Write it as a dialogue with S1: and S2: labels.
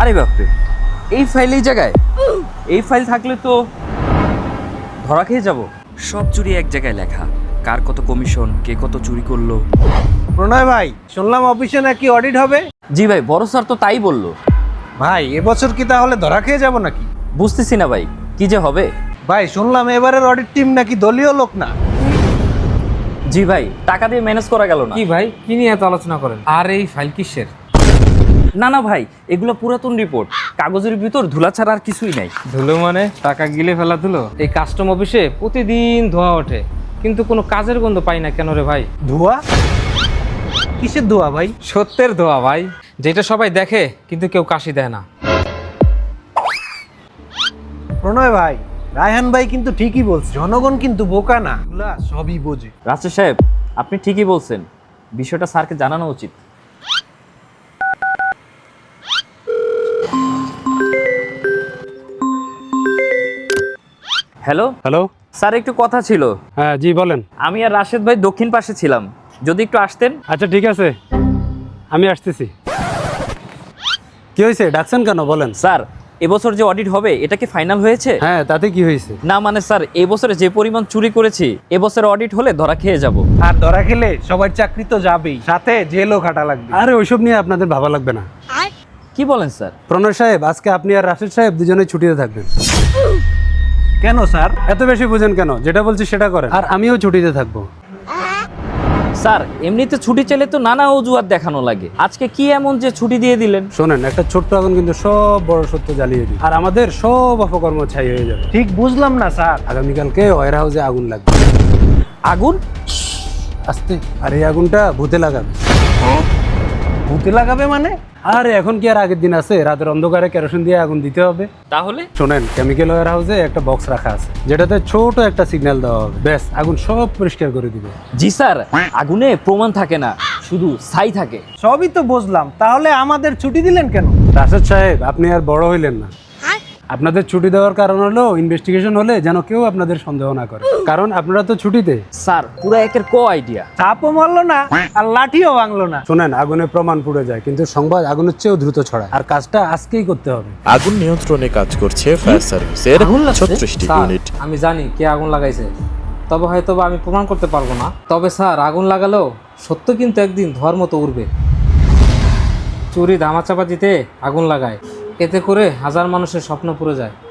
S1: আরে বাপরে, এই ফাইল এই জায়গায়? এই ফাইল থাকলে তো ধরা খেয়ে যাব। সব চুরি এক জায়গায় লেখা, কার কত কমিশন, কে কত চুরি করলো।
S2: প্রণয় ভাই, শুনলাম অফিসে নাকি অডিট হবে।
S1: জি ভাই, বড় স্যার তো তাই বললো।
S2: ভাই এবছর কি তাহলে ধরা খেয়ে যাব নাকি?
S1: বুঝতেছি না ভাই, কি যে হবে।
S2: ভাই শুনলাম এবারের অডিট টিম নাকি দলীয় লোক না।
S1: জি ভাই, টাকা দিয়ে ম্যানেজ করা গেল না।
S3: কি ভাই, কি নিয়ে এত আলোচনা করেন? আর এই ফাইল কিসের?
S1: না না ভাই, এগুলো পুরাতন রিপোর্ট, কাগজের ভিতর ধুলা ছাড়া আর কিছুই নাই।
S3: ধুলো মানে টাকা গিলে ফেলা ধুলো? এই কাস্টম অফিসে প্রতিদিন ধোয়া ওঠে, কিন্তু কোনো কাজের গন্ধ পাই না কেন রে ভাই?
S2: ধোয়া? কিসের ধোয়া ভাই?
S3: সত্যের ধোয়া ভাই, যেটা সবাই দেখে কিন্তু কেউ কাশি দেয় না।
S2: প্রণয় ভাই, রায়হান ভাই কিন্তু ঠিকই বলছে, জনগণ কিন্তু বোকা না, এগুলা সবই বোঝে।
S1: রাজশাহী সাহেব, আপনি ঠিকই বলছেন, বিষয়টা স্যারকে জানানো উচিত। Hello
S4: hello.
S1: স্যার, একটু কথা ছিল।
S4: হ্যাঁ জি বলেন।
S1: আমি আর রাশেদ ভাই দক্ষিণ পাশে ছিলাম, যদি একটু আসতেন।
S4: আচ্ছা ঠিক আছে, আমি আসতেছি। কি হয়েছে, ডাকছেন কেন বলেন?
S1: স্যার, এবছর যে অডিট হবে এটা কি ফাইনাল হয়েছে?
S4: হ্যাঁ, তাতে কি হয়েছে?
S1: না মানে স্যার, এবছরে যে পরিমাণ চুরি করেছি, এবছর অডিট হলে ধরা খেয়ে যাব।
S2: আর ধরা খেলে সবার চাকরি তো যাবেই, সাথে জেলও খাটা লাগবে।
S4: আরে ওইসব নিয়ে আপনাদের ভাবা লাগবে না।
S1: কি বলেন স্যার?
S4: প্রণয় সাহেব, আজকে আপনি আর রাশেদ সাহেব দুজনেই ছুটিতে থাকবেন।
S2: কেন স্যার?
S4: এত বেশি বুঝেন কেন? যেটা বলছি সেটা করেন। আর আমিও ছুটিতে থাকবো।
S1: স্যার, এমনিতে ছুটি চাইলে তো নানা অজুহাত দেখানো লাগে, আজকে কি এমন যে ছুটি দিয়ে দিলেন?
S4: শোনেন, একটা ছোট্ট আগুন কিন্তু সব বড় সত্য জ্বালিয়ে দিই, আর আমাদের সব অপকর্ম ছাই হয়ে যাবে।
S2: ঠিক বুঝলাম না স্যার।
S4: আগামীকালকে ওয়ার হাউসে আগুন লাগবে।
S1: আগুন?
S4: আস্তে। আর এই আগুনটা ভূতে লাগাবে।
S2: ভূতে লাগাবে মানে?
S4: আর এখন কি আর আগের দিন আছে? রাতের অন্ধকারে কেরোসিন দিয়ে আগুন দিতে হবে।
S1: তাহলে?
S4: শোনেন, কেমিক্যাল ওয়্যার হাউসে একটা বক্স রাখা আছে, যেটাতে ছোট একটা সিগন্যাল দেওয়া হবে, ব্যাস আগুন সব পরিষ্কার করে দিবে।
S1: জি স্যার, আগুনে প্রমাণ থাকে না, শুধু ছাই থাকে।
S2: সবই তো বুঝলাম, তাহলে আমাদের ছুটি দিলেন কেন?
S4: রাশেদ সাহেব, আপনি আর বড় হইলেন না। আপনাদের ছুটি দেওয়ার কারণ হলো ইনভেস্টিগেশন হলে যেন কেউ আপনাদের সন্দেহ না করে, কারণ আপনারা তো ছুটিতে।
S1: স্যার, পুরো একের আইডিয়া।
S2: চাপও মারলো না আর লাঠিও ভাঙলো না।
S4: শোনেন, আগুনে প্রমাণ পুড়ে যায়, কিন্তু সংবাদ আগুনের চেয়েও দ্রুত ছড়ায়, আর কাজটা আজকেই করতে হবে।
S5: আগুন নিয়ন্ত্রণে কাজ করছে ফায়ার সার্ভিসের
S1: আগুন লাগছে?
S5: 36টি
S3: স্যার,
S5: ইউনিট।
S3: আমি জানি কে আগুন লাগাইছে, তবে হয়তো বা আমি প্রমাণ করতে পারবো না। তবে স্যার, আগুন লাগালেও সত্য কিন্তু একদিন ধোয়ার মতো উঠবে। চুরি ধামাচাপা দিতে আগুন লাগায়, এতে করে হাজার মানুষের স্বপ্ন পুড়ে যায়।